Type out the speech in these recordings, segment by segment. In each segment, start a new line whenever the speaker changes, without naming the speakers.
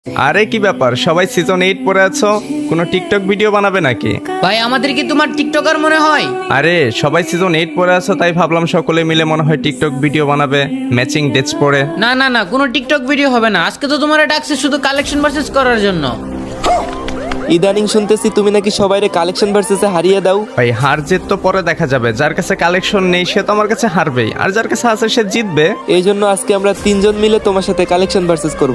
আরে কি ব্যাপার, সবাই সিজন 8 পরে আছো, কোনো টিকটক ভিডিও বানাবে নাকি?
ভাই আমাদের কি তোমার টিকটকার মনে হয়?
আরে সবাই সিজন 8 পরে আছো, তাই ভাবলাম সকলে মিলে মনে হয় টিকটক ভিডিও বানাবে ম্যাচিং ড্রেস পরে।
না না না, কোনো টিকটক ভিডিও হবে না। আজকে তো তোমার ডাকছে শুধু কালেকশন ভার্সেস করার জন্য।
ইদানিং শুনতেছি তুমি নাকি সবাইরে কালেকশন ভার্সেসে হারিয়ে দাও।
ভাই হার জিত তো পরে দেখা যাবে, যার কাছে কালেকশন নেই সে তো আমার কাছে হারবেই, আর যার কাছে আছে সে জিতবে।
এই জন্য আজকে আমরা তিনজন মিলে তোমার সাথে কালেকশন ভার্সেস করব।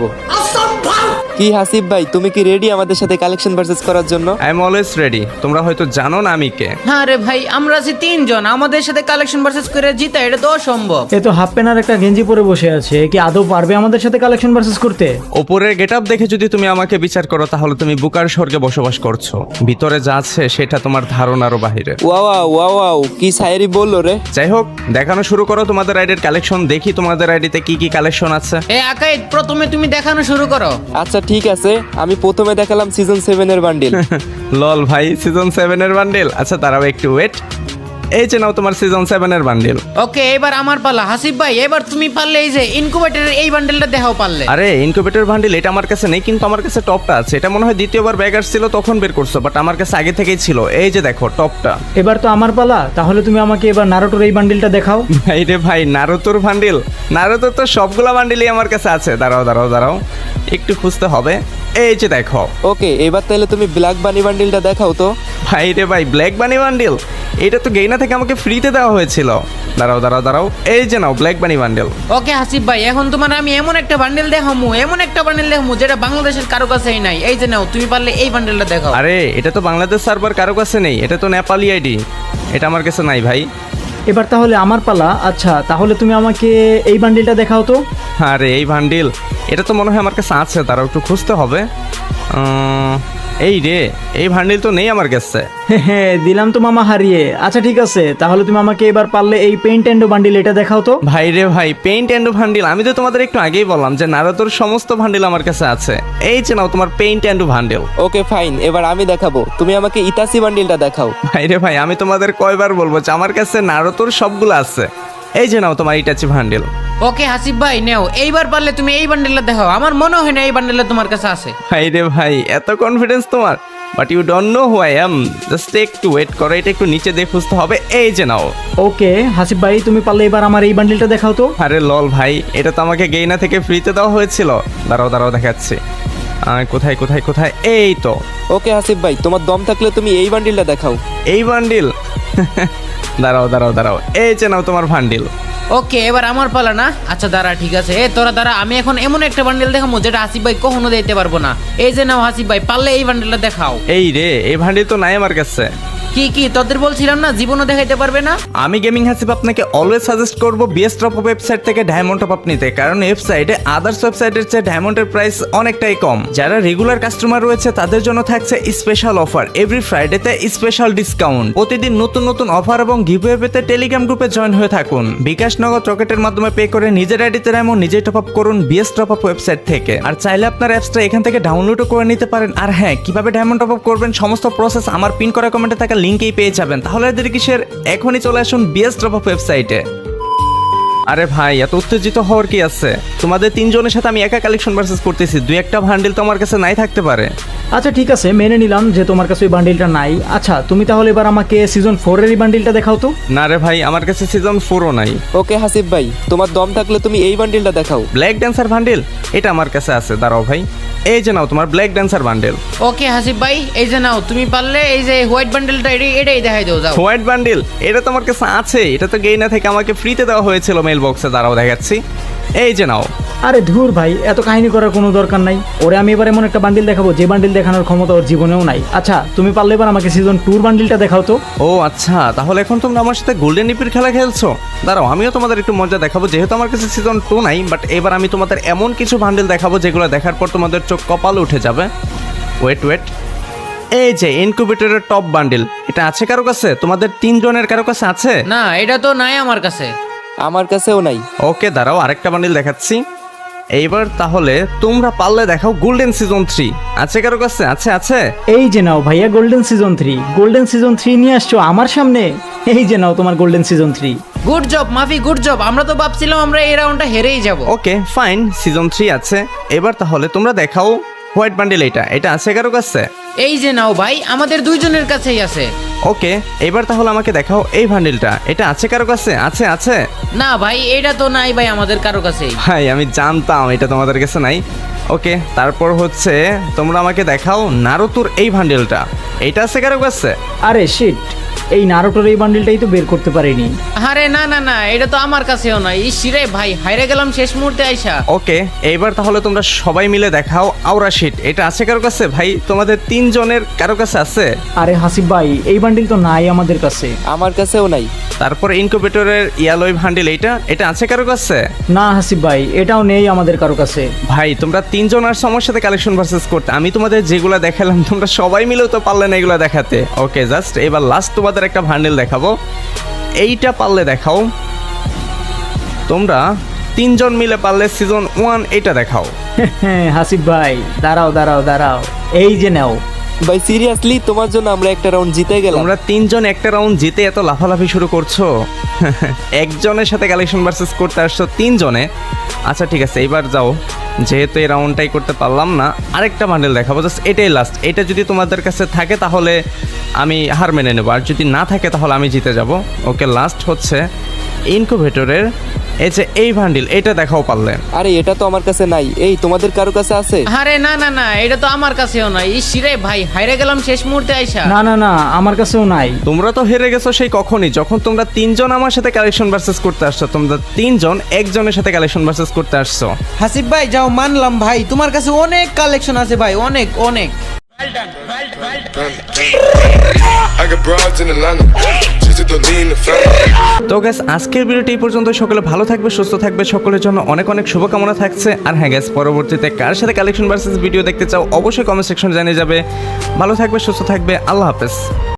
কি হাসিব ভাই, তুমি কি রেডি আমাদের সাথে কালেকশন ভার্সেস করার জন্য?
I am always ready. তোমরা হয়তো জানো না আমি কে।
হ্যাঁ রে ভাই, আমরা আছি তিনজন, আমাদের সাথে কালেকশন ভার্সেস করে জিতা এটা তো অসম্ভব।
এ তো হাফ প্যান্ট আর একটা গেঞ্জি পরে বসে আছে, এ কি আদৌ পারবে আমাদের সাথে কালেকশন ভার্সেস করতে?
ওপরের গেটআপ দেখে যদি তুমি আমাকে বিচার করো তাহলে তুমি বুকার স্বর্গে বসবাস করছো, ভিতরে যা আছে সেটা তোমার ধারণারও বাহিরে।
ওয়াও ওয়াও, কি শায়েরি বললো রে।
যাই হোক, দেখানো শুরু করো তোমাদের আইডির কালেকশন, দেখি তোমাদের আইডিতে কি কি কালেকশন আছে।
এ আকাইদ, প্রথমে তুমি দেখানো শুরু করো।
আচ্ছা ঠিক আছে, আমি প্রথমে দেখালাম সিজন 7 এর বান্ডিল।
লল ভাই, সিজন 7 এর বান্ডিল? আচ্ছা দাঁড়াও একটু ওয়েট, এই যে নাও তোমার সিজন 7 এর বান্ডিল।
ওকে, এবার আমার পালা। হাসিব ভাই, এবার তুমি পারলে এই যে ইনকুবেটরের এই বান্ডেলটা দেখাও পারলে।
আরে ইনকিউবেটর বান্ডিল এটা আমার কাছে নেই, কিন্তু আমার কাছে টপটা আছে। এটা মনে হয় দ্বিতীয়বার ব্যাগ আসছিল তখন বের করছো, বাট আমার কাছে আগে থেকেই ছিল। এই যে দেখো টপটা।
এবার তো আমার পালা, তাহলে তুমি আমাকে এবার নারুটোর এই বান্ডিলটা দেখাও।
ভাই রে ভাই, নারুতোর বান্ডিল? নারুতোর তো সবগুলা বান্ডিলই আমার কাছে আছে। দাঁড়াও দাঁড়াও দাঁড়াও, একটু খুঁজতে হবে। এই যে দেখো।
ওকে, এবার তাহলে তুমি ব্ল্যাক বানি বান্ডিলটা দেখাও তো।
ভাই রে ভাই, ব্ল্যাক বানি বান্ডিল? এটা তো গেইনা থেকে আমাকে ফ্রিতে দেওয়া হয়েছিল। দাঁড়াও দাঁড়াও দাঁড়াও, এই যে নাও black bunny bundle.
Okay Hasib ভাই, এখন তোমার আমি এমন একটা বান্ডেল দেখামু, এমন একটা বান্ডেল দেখামু যেটা বাংলাদেশের কারো কাছেই নাই। এই যে নাও, তুমি পারলে এই বান্ডেলটা দেখাও।
আরে এটা তো বাংলাদেশ সার্ভার কারো কাছে নেই, এটা তো নেপালি আইডি, এটা আমার কাছে নাই ভাই।
এবার তাহলে আমার পালা। আচ্ছা তাহলে তুমি আমাকে এই বান্ডিলটা দেখাও তো।
আরে এই বান্ডিল, এটা তো মনে হয় আমার কাছে আছে, তারাও একটু খুঁজতে হবে। এই রে, এই বান্ডিল তো নেই আমার কাছে।
হ্যাঁ দিলাম তো মামা হারিয়ে। আচ্ছা ঠিক আছে, তাহলে তুমি আমাকে এবার পারলে এই পেইন্ট অ্যান্ড বান্ডিল এটা দেখাও তো।
ভাই রে ভাই, পেইন্ট অ্যান্ড বান্ডিল? আমি তো তোমাদের একটু আগেই বললাম যে নারুতোর সমস্ত বান্ডিল আমার কাছে আছে। এই যে নাও তোমার paint and bundle.
Okay fine, এবার আমি দেখাবো, তুমি আমাকে ইতাসি বান্ডিলটা দেখাও।
ভাই রে ভাই, আমি তোমাদের কয়বার বলবো যে আমার কাছে নারুতোর সবগুলো আছে। এই যে নাও তোমার ইটাচি বান্ডিল।
ওকে হাসিব ভাই, নেও এইবার পারলে তুমি এই বান্ডেলটা দেখাও। আমার মনে হয় না এই বান্ডেলটা তোমার কাছে আছে।
ভাই রে ভাই, এত কনফিডেন্স তোমার? But you don't know who I am. Just একটু ওয়েট করো, এটা একটু নিচে দিয়ে খুঁজতে হবে। এই যে নাও।
ওকে হাসিব ভাই, তুমি পারলে এবার আমার এই বান্ডিলটা দেখাও তো।
আরে লল ভাই, এটা তো আমাকে গেইনা থেকে ফ্রিতে দেওয়া হয়েছিল। দাঁড়াও দাঁড়াও দেখাচ্ছি। কোথায় কোথায় কোথায়, এই তো।
ওকে হাসিব ভাই, তোমার দম থাকলে তুমি এই বান্ডিলটা দেখাও।
এই বান্ডিল? দাঁড়াও দাঁড়াও দাঁড়াও, এই যে নাও তোমার বান্ডিল।
ওকে, এবার আমার পালা না? আচ্ছা দাঁড়া, ঠিক আছে। তোরা দাঁড়া, আমি এখন এমন একটা বান্ডেল দেখাবো যেটা হাসিব ভাই কখনো দিতে পারবো না। এই যে নাও হাসিব ভাই, পারলে এই বান্ডেলটা দেখাও।
এই রে, এই বান্ডিল তো নাই আমার কাছে।
কি কি তোদের বলছিলাম না জীবনও দেখাইতে পারবে না?
আমি গেমিং হাসিব আপনাকে অলওয়েজ সাজেস্ট করব বিএস টপ ওয়েবসাইট থেকে ডায়মন্ড টপ আপ নিতে, কারণ ওয়েবসাইটে আদার্স ওয়েবসাইটের চেয়ে ডায়মন্ডের প্রাইস অনেকটাই কম। যারা রেগুলার কাস্টমার রয়েছে তাদের জন্য থাকছে স্পেশাল অফার, এভরি ফ্রাইডেতে স্পেশাল ডিসকাউন্ট। প্রতিদিন নতুন নতুন অফার এবং গিভওয়ে পেতে টেলিগ্রাম গ্রুপে জয়েন হয়ে থাকুন। বিকাশ নগদ রকেটের মাধ্যমে পে করে নিজের আইডিতে ডায়মন্ড নিজেই টপ আপ করুন বিএস টপ আপ ওয়েবসাইট থেকে। আর চাইলে আপনার অ্যাপসটা এখান থেকে ডাউনলোডও করে নিতে পারেন। আর হ্যাঁ, কিভাবে ডায়মন্ড টপ আপ করবেন সমস্ত প্রসেস আমার পিন করা কমেন্টে থাকা লিঙ্কেই পেয়ে যাবেন। তাহলে এদের কিসের, এখনই চলে আসুন বিএস ড্রপ অফ ওয়েবসাইটে। আরে ভাই, এত উত্তেজিত হওয়ার কি আছে? তোমাদের তিনজনের সাথে আমি একা কালেকশন ভার্সেস করতেছি, দুই একটা বান্ডিল তো আমার কাছে নাই থাকতে পারে।
আচ্ছা ঠিক আছে, মেনে নিলাম যে তোমার কাছে ওই বান্ডিলটা নাই। আচ্ছা তুমি তাহলে এবার আমাকে সিজন 4 এর এই বান্ডিলটা দেখাও তো।
না রে ভাই, আমার কাছে সিজন 4ও নাই।
ওকে হাসিব ভাই, তোমার দম থাকলে তুমি এই বান্ডিলটা দেখাও।
Black dancer bundle? এটা আমার কাছে আছে, দাঁড়াও ভাই। এই যে নাও তোমার black dancer bundle.
Okay Hasib ভাই, এই যে নাও, তুমি পারলে এই যে হোয়াইট বান্ডেলটা এটাই দেখাই দাও, যাও।
White bundle? এটা তো আমার কাছে আছে, এটা তো গেইনা থেকে আমাকে ফ্রিতে দেওয়া হয়েছিল মেল বক্সে। দাঁড়াও দেখাচ্ছি। এই যে নাও।
আরে ধুর ভাই, এত কাহিনী করার কোনো দরকার নাই। ওরে আমি এবার এমন একটা বান্ডিল দেখাবো যে বান্ডিল দেখানোর ক্ষমতা ওর জীবনেও নাই। আচ্ছা তুমি পারলে এবার আমাকে সিজন 2 বান্ডিলটা দেখাও তো।
ও আচ্ছা, তাহলে এখন তোমরা আমার সাথে গোল্ডেন ইপির খেলা খেলছো? দাঁড়াও, আমিও তোমাদের একটু মজা দেখাবো। যেহেতু আমার কাছে সিজন 2 নাই, বাট এবার আমি তোমাদের এমন কিছু বান্ডিল দেখাবো যেগুলো দেখার পর তোমাদের চোখ কপালে উঠে যাবে। ওয়েট ওয়েট, এই যে ইনকিউবেটরের টপ বান্ডিল, এটা আছে কারো কাছে? তোমাদের তিনজনের কারো কাছে আছে?
না, এটা তো নাই আমার কাছে।
আমার কাছেও নাই।
ওকে দাঁড়াও, আরেকটা বান্ডিল দেখাচ্ছি। এইবার তাহলে তোমরা পারলে দেখাও গোল্ডেন সিজন 3 আছে কারো কাছে? আছে আছে।
এই যে নাও ভাইয়া, গোল্ডেন সিজন 3। গোল্ডেন সিজন 3 নিয়ে আসছো আমার সামনে। এই যে নাও তোমার golden season 3।
Good job Mafi, good job. আমরা তো ভাবছিলাম আমরা এই রাউন্ডটা হেরেই যাব।
ওকে ফাইন, সিজন 3 আছে। এবার তাহলে তোমরা দেখাও হোয়াইট বান্ডিল এটা আছে কারো কাছে?
এই যে নাও ভাই, আমাদের দুইজনের কাছেই আছে।
ওকে, এবার তাহলে আমাকে দেখাও এই বান্ডিলটা, এটা আছে কারো কাছে? আছে?
না ভাই, এটা তো নাই ভাই আমাদের কারো কাছেই।
ভাই আমি জানতাম এটা তোমাদের কাছে নাই। ওকে, তারপর হচ্ছে তোমরা আমাকে দেখাও নারুতোর এই বান্ডিলটা, এটা আছে কারো কাছে?
আরে শিট, এই নারুটোর এই বান্ডিলটাই তো বের করতে পারিনি।
আরে না, এটা তো আমার কাছেও নাই। ইসিরে ভাই, হাইরে গেলাম শেষ মুহূর্তে আইসা।
ওকে, এইবার তাহলে তোমরা সবাই মিলে দেখাও আওরা শিট, এটা আছে কারো কাছে? ভাই তোমাদের তিনজনের কারো কাছে আছে?
আরে হাসিব ভাই, এই বান্ডিল তো নাই আমাদের কাছে।
আমার কাছেও নাই।
তারপর ইনকিউবেটরের ইয়ালোই বান্ডিল এটা আছে কারো কাছে?
না হাসিব ভাই, এটাও নেই আমাদের কারো কাছে।
ভাই তোমরা তিনজন আর সমস্যার সাথে কালেকশন ভার্সেস করতে, আমি তোমাদের যেগুলো দেখালাম তোমরা সবাই মিলেও তো পারলে না এগুলো দেখাতে। ওকে, জাস্ট এবার লাস্ট তোমাদের একটা বান্ডিল দেখাবো, এইটা পারলে দেখাও। তোমরা তিনজন মিলে পারলে সিজন 1 এটা দেখাও।
হাসিব ভাই দাঁড়াও, এই যে নাও।
ভাই সিরিয়াসলি তোমার জন্য আমরা একটা রাউন্ড জিতে গেলাম।
তোমরা তিনজন একটা রাউন্ড জিতে এত লাফালাফি শুরু করছো। একজনের সাথে কালেকশন ভার্সেস করতে আসছো তিনজনে। আচ্ছা ঠিক আছে, এবার যাও, যেহেতু এই রাউন্ডটাই করতে পারলাম না, আরেকটা বান্ডেল দেখাবো, জাস্ট এটাই লাস্ট। এটা যদি তোমাদের কাছে থাকে তাহলে আমি হার মেনে নেবো, আর যদি না থাকে তাহলে আমি জিতে যাব। ওকে, লাস্ট হচ্ছে ইনকিউবেটরের এই বান্ডিল, এটা দেখাও পারলে।
আরে এটা তো আমার কাছে নাই, এই তোমাদের কারো কাছে আছে?
আরে না, এটা তো আমার কাছেও নাই। ইসিরে ভাই, হাইরে গেলাম শেষ মুহূর্তে আইসা।
না, আমার কাছেও নাই।
তোমরা তো হেরে গেছো সেই কখনই, যখন তোমরা তিনজন আমার সাথে কালেকশন ভার্সেস করতে আসছো। তোমরা তিনজন একজনের সাথে কালেকশন ভার্সেস করতে আসছো।
হাসিব ভাই যাও, মানলাম ভাই, তোমার কাছে অনেক কালেকশন আছে ভাই, অনেক।
I got broads in Atlanta, just to lean the family.
তো গ্যাস, আজকের ভিডিওটি এই পর্যন্ত। সকলে ভালো থাকবে, সুস্থ থাকবে, সকলের জন্য অনেক অনেক শুভকামনা থাকছে। আর হ্যাঁ গ্যাস, পরবর্তীতে কার সাথে কালেকশন ভার্সেস ভিডিও দেখতে চাও অবশ্যই কমেন্ট সেকশনে জানিয়ে যাবে। ভালো থাকবে, সুস্থ থাকবে, আল্লাহ হাফেজ।